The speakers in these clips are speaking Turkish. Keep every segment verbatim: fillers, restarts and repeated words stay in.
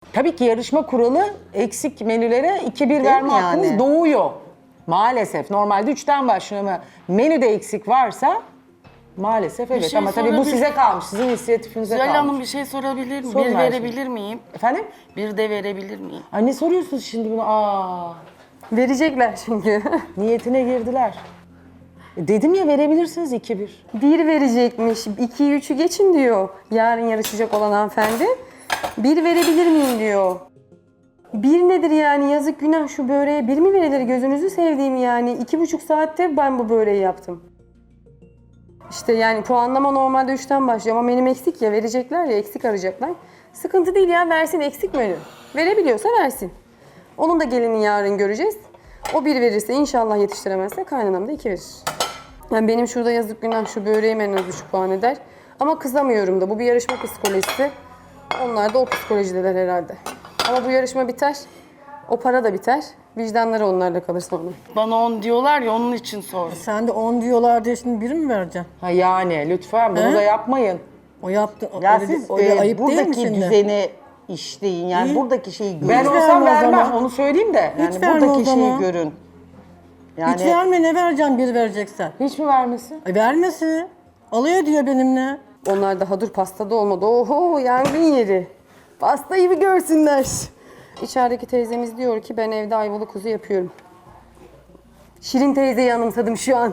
Tabii ki yarışma kuralı eksik menülere iki bir verme mi yani? hakkınız doğuyor. Maalesef. Normalde üçten başlıyor ama menüde eksik varsa maalesef evet. şey Ama tabii bu sorabilir- size kalmış. Sizin inisiyatifinize Zuhal kalmış. Hanım bir şey sorabilir miyim? Sorun Bir Ayşe. verebilir miyim? Efendim? Bir de verebilir miyim? Ay ne soruyorsunuz şimdi bunu? Aa, Verecekler çünkü. niyetine girdiler. E, dedim ya verebilirsiniz iki bir. Bir verecekmiş. ikiyi üçü geçin diyor. Yarın yarışacak olan hanımefendi. Bir verebilir miyim diyor. Bir nedir yani, yazık günah, şu böreğe bir mi verilir, gözünüzü sevdiğim yani. İki buçuk saatte ben bu böreği yaptım. İşte yani puanlama normalde üçten başlıyor ama benim eksik ya, verecekler ya, eksik arayacaklar. Sıkıntı değil ya, versin eksik menü. Verebiliyorsa versin. Onun da gelini yarın göreceğiz. O bir verirse, inşallah yetiştiremezse kaynanam da iki verir. Yani benim şurada yazık günah, şu böreğim en az üç puan eder. Ama kızamıyorum da, bu bir yarışma psikolojisi. Onlar da o psikolojideler herhalde. Ama bu yarışma biter, o para da biter. Vicdanları onlarda kalır sonra. Bana on diyorlar ya, onun için sordum. Sen de on diyorlar diye şimdi biri mi vereceksin? Ha yani lütfen bunu He? da yapmayın. O yaptı. Ya öyle, siz öyle e, ayıp değil mi buradaki şimdi? düzeni işleyin. Yani İyi. buradaki şeyi görün. Ben Hiç olsam verme o vermem, zaman. onu söyleyeyim de. Yani Hiç verme o buradaki şeyi zaman. görün. Yani Hiç verme, ne vereceksin bir vereceksen? Hiç mi vermesin? E, vermesi. Alıyor diyor benimle. Onlar daha dur pastada olmadı. Oho, yangın yeri. Pastayı bir görsünler. İçerideki teyzemiz diyor ki ben evde ayvalı kuzu yapıyorum. Şirin teyzeyi anımsadım şu an.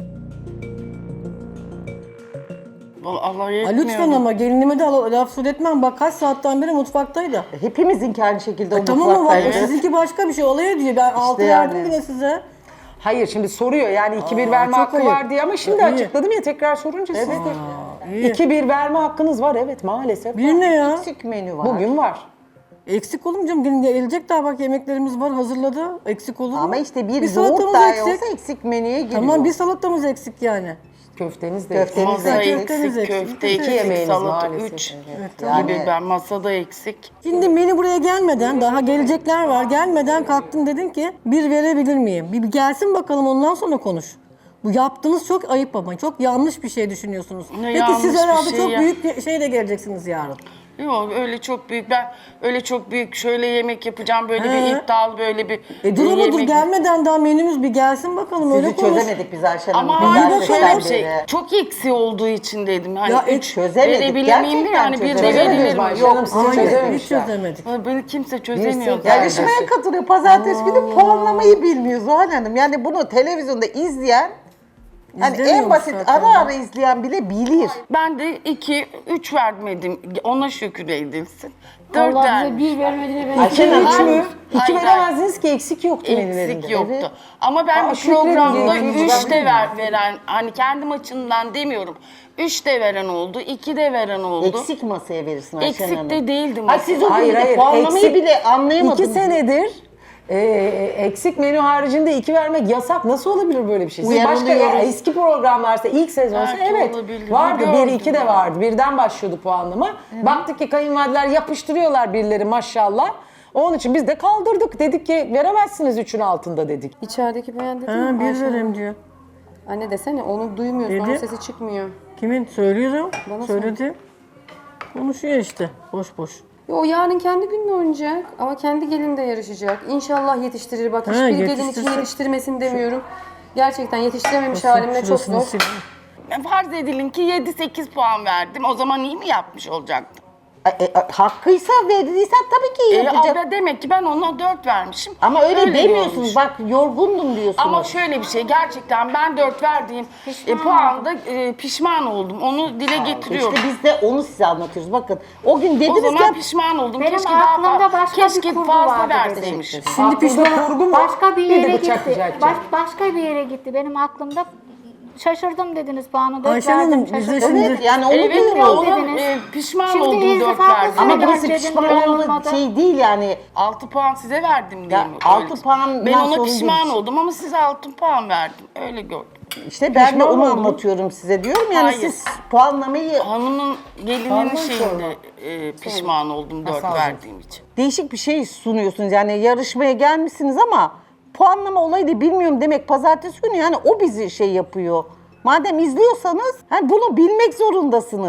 Vallahi Allah Ha, yetmiyor. lütfen ama gelinime de la- laf söyletmem. Bak kaç saatten beri mutfaktaydı. hepimizinki aynı şekilde o E, tamam mı, bak mutfaktaydı. sizinki başka bir şey. Alıyor diyor. Ben altı yani. verdim bile size. Hayır şimdi soruyor yani iki bir verme çok hakkı ayıp. var diye ama şimdi İyi. açıkladım ya, tekrar sorunca siz de. İyi. iki bir verme hakkınız var evet maalesef. Bir ne ya? Eksik menü var. Bugün var. Eksik olur mu canım? Gelin gelecek daha, bak yemeklerimiz var hazırladı. Eksik olur mu? Ama işte bir, Bir yoğurt salatamız dahi eksik. olsa eksik menüye giriyor. Tamam, bir salatamız eksik yani. Köfteniz de Köfteniz eksik. de Masa eksik. Köfteniz eksik, eksik. köfte İki eksik, yemeğiniz salata maalesef, üç evet. gibi. Yani- Ben masada eksik. Şimdi beni buraya gelmeden, daha gelecekler var, gelmeden kalktın dedin ki bir verebilir miyim? Bir, bir gelsin bakalım, ondan sonra konuş. Bu yaptığınız çok ayıp ama çok yanlış bir şey düşünüyorsunuz. Ne Peki yanlış siz bir herhalde şey çok ya? büyük bir şeyle geleceksiniz yarın. Yok öyle çok büyük, ben öyle çok büyük şöyle yemek yapacağım, böyle He. bir iddialı böyle bir E dur ama dur, yemek- gelmeden daha menümüz bir gelsin bakalım, öyle Sizi konuş. çözemedik biz Ayşen Hanım. Ama Güzel hayır şöyle bir sesten şey, beri. çok eksi olduğu için dedim. Hani Ya, üç çözemedik, verebilir miyim de gerçekten yani bir de çözemedik. verilir Çözemediniz mi? Ayşe Yok. Hanım, sizi Hayır, hiç çözememişler. çözemedik. Beni kimse çözemiyor. Birisi- zaten. Yarışmaya katılıyor. Pazartesi günü puanlamayı bilmiyor Zuhal Hanım. Yani bunu televizyonda izleyen, hani en İzlemiyormuş basit zaten. ara ara izleyen bile bilir. Ben de iki, üç vermedim. Ona şükür edilsin. Dört Allah bize vermiş. bir vermediğine ben Ayşe Hanım üç mü? İki Hayır, veremezdiniz ki eksik yoktu menülerinde. Eksik yoktu. Evet. Ama ben Aa, bir şükredin programda diye ikinci üç de verdim. ver, veren, hani kendim açımdan demiyorum. Üç de veren oldu, iki de veren oldu. Eksik masaya verirsin Ayşen Hanım. Eksik de değildim. Ay siz o gün Hayır, de hayır, puanlamayı eksik- bile anlayamadınız. İki senedir e, eksik menü haricinde iki vermek yasak. Nasıl olabilir böyle bir şey? Siz başka Uyarılıyoruz. ya, eski programlarsa ilk sezonsa Belki evet olabilir. vardı. Gördüm Bir iki de ben. vardı. Birden başlıyordu puanlama. Baktık ki kayınvalideler yapıştırıyorlar birileri maşallah. Onun için biz de kaldırdık. Dedik ki veremezsiniz üçün altında dedik. İçerideki beğen dedi Ha, mi? bir Ayşe Hanım? vereyim diyor. Anne desene, onu duymuyorsun, Dedi. onun sesi çıkmıyor. Kimin? Söylüyorum. Bana Söyledi. Konuşuyor işte. Boş boş. Ya o yarın kendi gününü oynayacak ama kendi gelin de yarışacak. İnşallah yetiştirir. Bak Ha, hiçbir gelin için yetiştirsin. yetiştirmesin demiyorum. Gerçekten yetiştirememiş halimle çok Şurasını zor. sileyim. Farz edilin ki yedi sekiz puan verdim. O zaman iyi mi yapmış olacaktım? E, e, hakkıysa verdiysen tabii ki iyi E, yapacak. abla demek ki ben ona dört vermişim. Ama öyle, demiyorsunuz. görmüş. Bak yorgundum diyorsunuz. Ama şöyle bir şey, gerçekten ben dört verdiğim e, puanda e, pişman oldum. Onu dile getiriyorum. İşte biz de onu size anlatıyoruz. Bakın o gün O dediniz zaman ki pişman oldum. Benim keşke daha aklımda fazla, başka keşke bir kurgu fazla vardı verseymişim. Şimdi pişman başka bir yere bıçak gitti. rica Baş, başka bir yere gitti. Benim aklımda şaşırdım dediniz puanı. Dört Ayşe Hanım, verdim, biz de şaşırdım. şimdi- evet yani onu Evet ya diyoruz. ona dediniz. e, pişman Şimdi oldum ilk dört defa verdim. bu Ama sene burası dedim, pişman böyle olma olmadı. şey değil yani. altı puan size verdim diye Ya, mi? altı Öyle. puandan Ben ona sorun pişman değil. oldum ama size altı puan verdim. Öyle gördüm. İşte ben de Pişman onu oldum. anlatıyorum size diyorum yani Hayır. siz puanlamayı Hanımın gelinin Pardon, şeyinde e, pişman oldum dört sağ olun. verdiğim için. değişik bir şey sunuyorsunuz. Yani yarışmaya gelmişsiniz ama puanlama olayı da bilmiyorum demek pazartesi günü yani o bizi şey yapıyor. Madem izliyorsanız hani bunu bilmek zorundasınız.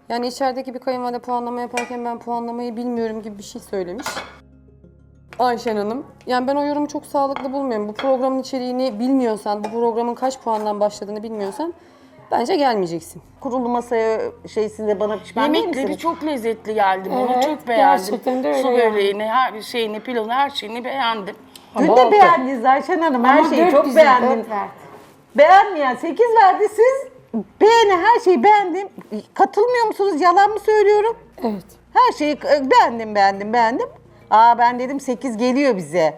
Yani içerideki bir kayınvalide puanlama yaparken ben puanlamayı bilmiyorum gibi bir şey söylemiş. Ayşen Hanım. Yani ben o yorumu çok sağlıklı bulmuyorum. Bu programın içeriğini bilmiyorsan, bu programın kaç puandan başladığını bilmiyorsan bence gelmeyeceksin. Kurulu masaya şeysinde bana pişman değil Yemekleri misiniz? çok lezzetli geldi bana. Evet, Çok beğendim. gerçekten de öyle Su yani. böreğini, her şeyini, pilavını, her şeyini beğendim. Dün Ama de altı. beğendiniz Ayşen Hanım. Her Ama şeyi dört çok güzel, beğendim. Dört verdi. Beğenmeyen sekiz verdi. Siz beğeni her şeyi beğendim. Katılmıyor musunuz? Yalan mı söylüyorum? Evet. Her şeyi e, beğendim, beğendim, beğendim. Aa ben dedim sekiz geliyor bize.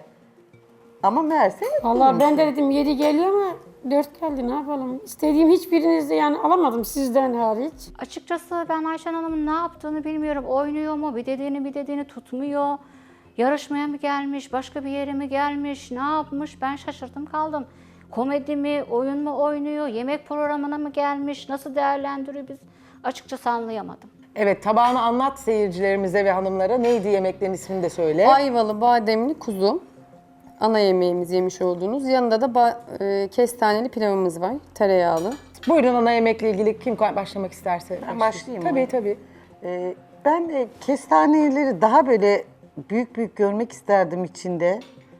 Ama meğerse Vallahi ben de dedim yedi geliyor ama dört geldi, ne yapalım? İstediğim hiçbirinizde yani alamadım sizden hariç. Açıkçası ben Ayşen Hanım'ın ne yaptığını bilmiyorum. Oynuyor mu? Bir dediğini bir dediğini tutmuyor. Yarışmaya mı gelmiş? Başka bir yere mi gelmiş? Ne yapmış? Ben şaşırdım kaldım. Komedi mi? Oyun mu oynuyor? Yemek programına mı gelmiş? Nasıl değerlendiriyor biz? Açıkçası anlayamadım. Evet, tabağını anlat seyircilerimize ve hanımlara. Neydi yemeklerin ismini de söyle. Ayvalı bademli kuzu. Ana yemeğimiz yemiş olduğunuz. Yanında da ba- e, kestaneli pilavımız var. Tereyağlı. Buyurun ana yemekle ilgili kim başlamak isterse. Ben başlayayım Tabii mı? tabii. Ee, ben de kestaneleri daha böyle büyük büyük görmek isterdim içinde.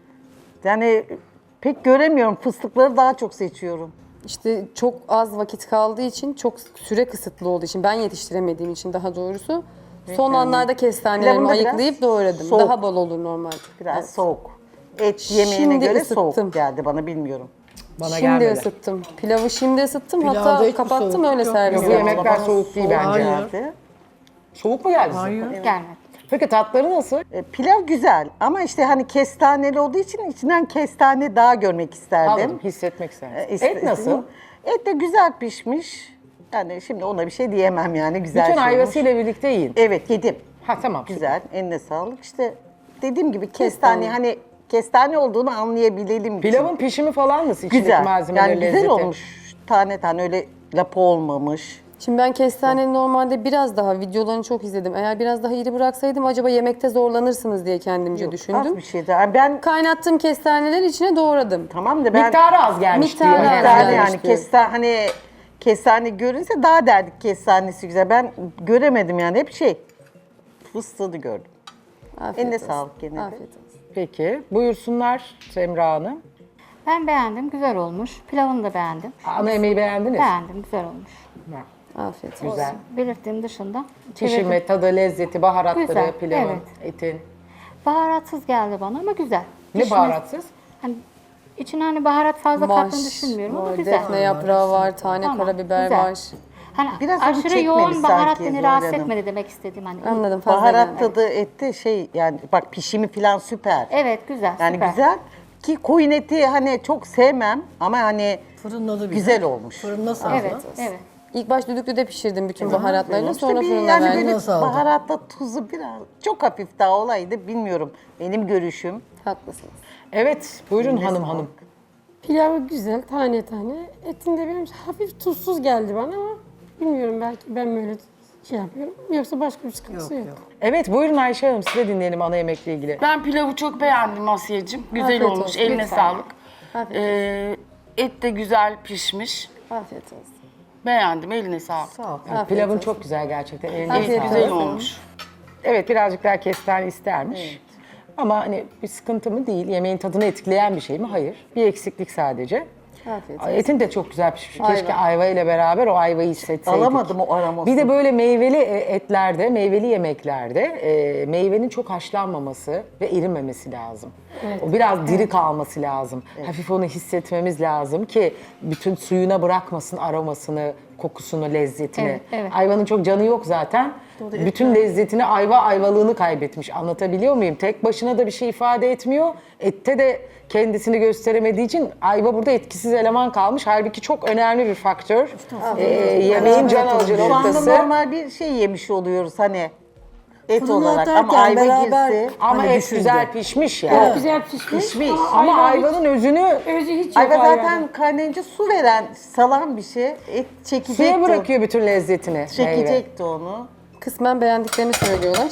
Yani pek göremiyorum. Fıstıkları daha çok seçiyorum. İşte çok az vakit kaldığı için, çok süre kısıtlı olduğu için, ben yetiştiremediğim için daha doğrusu son anlarda kestanelerimi Pilavını da biraz ayıklayıp doğradım. soğuk. Daha bol olur normalde. Biraz Evet. soğuk. Et yemeğine Şimdi göre ısıttım. soğuk geldi bana bilmiyorum. Bana Şimdi gelmedi. ısıttım. Pilavı şimdi ısıttım. Pilavda Hatta hiçbir kapattım soğuk öyle yok. servis Yok, bu yaptım. yemekler soğuk değil bence. Hayır. Geldi. Soğuk mu geldi size? Gelmedi. Peki tatları nasıl? E, pilav güzel ama işte hani kestaneli olduğu için içinden kestane daha görmek isterdim. Anladım, hissetmek E, istersin. iste- Et nasıl? istedim. Et de güzel pişmiş. Yani şimdi ona bir şey diyemem yani güzel Bütün şey olmuş. ayvasıyla birlikte yiyin. Evet yedim. Ha tamam. Güzel, eline sağlık. İşte dediğim gibi kestane hani kestane olduğunu anlayabilelim için. Pilavın pişimi falan nasıl? İçindeki güzel. malzemeler, Yani güzel lezzeti. olmuş. Tane tane öyle lapa olmamış. Şimdi ben kestaneyi normalde biraz daha, videolarını çok izledim. Eğer biraz daha iri bıraksaydım acaba yemekte zorlanırsınız diye kendimce Az düşündüm. bir şey daha. Ben Kaynattığım kestaneleri içine doğradım. tamam da ben Miktarı az gelmiş Miktarı diyor az herhalde. kestane gelmiş yani diyor. kestane hani kestane görünse daha derdik kestanesi güzel. Ben göremedim yani hep şey fıstığını gördüm. Afiyet Eline olsun. sağlık gene de. Afiyet olsun. Peki buyursunlar Semra Hanım. Ben beğendim. Güzel olmuş. Pilavını da beğendim. Ana yemeği beğendiniz. Beğendim. Güzel olmuş. Afiyet olsun. Güzel. Belirttiğim dışında. Pişirme, çevirdim. tadı, lezzeti, baharatları, Güzel, pilavın, evet. etin. Baharatsız geldi bana ama güzel. Ne Pişmesi- baharatsız? Hani içine hani baharat fazla kattığını düşünmüyorum ama var, güzel. defne yaprağı var, tane Tamam, karabiber güzel. var. Hani Biraz onu aşırı çekmedi yoğun baharat sanki beni rahatsız Zuhal Hanım. etmedi demek istediğim hani. Anladım, fazla Baharat geldi. tadı ette şey yani bak pişimi falan süper. Evet güzel. Yani süper. güzel ki koyun eti hani çok sevmem ama hani Fırınladı bir. güzel olmuş. Fırında sağlam. Evet, evet. İlk baş düdüklüde pişirdim bütün baharatlarını, İşte sonra bir fırına yani verdim. böyle Nasıl aldın? baharatla tuzu biraz çok hafif daha olaydı bilmiyorum. Benim görüşüm. Haklısınız. Evet buyurun hanım hanım. Pilavı güzel, tane tane. Etinde benim hafif tuzsuz geldi bana ama bilmiyorum, belki ben böyle şey yapıyorum. Yoksa başka bir sıkıntısı yok. Evet buyurun Ayşe Hanım size dinleyelim ana yemekle ilgili. Ben pilavı çok beğendim Asiye'cim. Güzel Afiyet olmuş. olsun, Eline lütfen. sağlık. Afiyet Ee, et de güzel pişmiş. Afiyet olsun. Beğendim. Eline sağlık. Evet, pilavın çok güzel gerçekten. Eline Afiyet sağlık. Güzel olsun. olmuş. Evet birazcık daha kestane istermiş. Ama hani bir sıkıntı mı değil, yemeğin tadını etkileyen bir şey mi? Hayır. Bir eksiklik sadece. Afiyet olsun. Etin de çok güzel pişmiş. Keşke Ayva. ayva ile beraber o ayvayı hissetseydik. Alamadım o aromasını. Bir de böyle meyveli e, etlerde, meyveli yemeklerde e, meyvenin çok haşlanmaması ve erimemesi lazım. O biraz diri kalması lazım. Hafif onu hissetmemiz lazım ki bütün suyuna bırakmasın aromasını, kokusunu, lezzetini. Evet, evet. Ayvanın çok canı yok zaten. Bütün lezzetini, ayva ayvalığını kaybetmiş. Anlatabiliyor muyum? Tek başına da bir şey ifade etmiyor. Ette de kendisini gösteremediği için ayva burada etkisiz eleman kalmış. Halbuki çok önemli bir faktör. Ee, yemeğin can alıcı Şu anda noktası. normal bir şey yemiş oluyoruz hani et Fırına olarak ama atarken ayva beraber- girse. Ama Hani et düşündü. güzel pişmiş ya. Çok güzel pişmiş. Pişmiş. Ama ayva hiç- ayvanın özünü özü hiç yok Ayva ayvanın. zaten kaynayınca su veren, salan bir şey. Et çekecekti. suya bırakıyor bütün lezzetini. meyve. Çekecekti onu. Kısmen beğendiklerini söylüyorlar.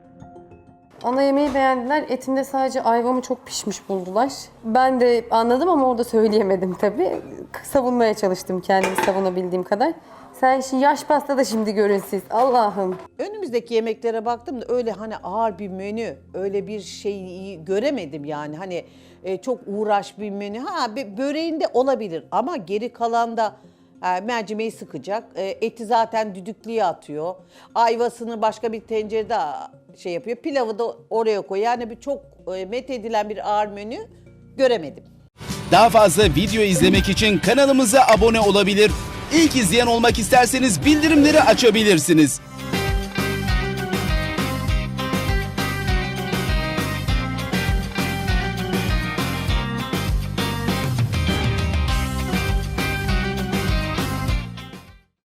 Ana yemeği beğendiler. Etinde sadece ayvamı çok pişmiş buldular. Ben de anladım ama orada söyleyemedim tabii. Savunmaya çalıştım kendimi savunabildiğim kadar. Sen şu yaş pasta da şimdi görün siz. Allah'ım. Önümüzdeki yemeklere baktım da öyle hani ağır bir menü, öyle bir şeyi göremedim yani. Hani e, çok uğraş bir menü. Ha bö- böreğinde olabilir ama geri kalanda e, mercimeği sıkacak. E, eti zaten düdüklüye atıyor. Ayvasını başka bir tencerede şey yapıyor. Pilavı da oraya koyuyor. Yani bir çok e, met edilen bir ağır menü göremedim. Daha fazla video izlemek için kanalımıza abone olabilir. İlk izleyen olmak isterseniz bildirimleri açabilirsiniz.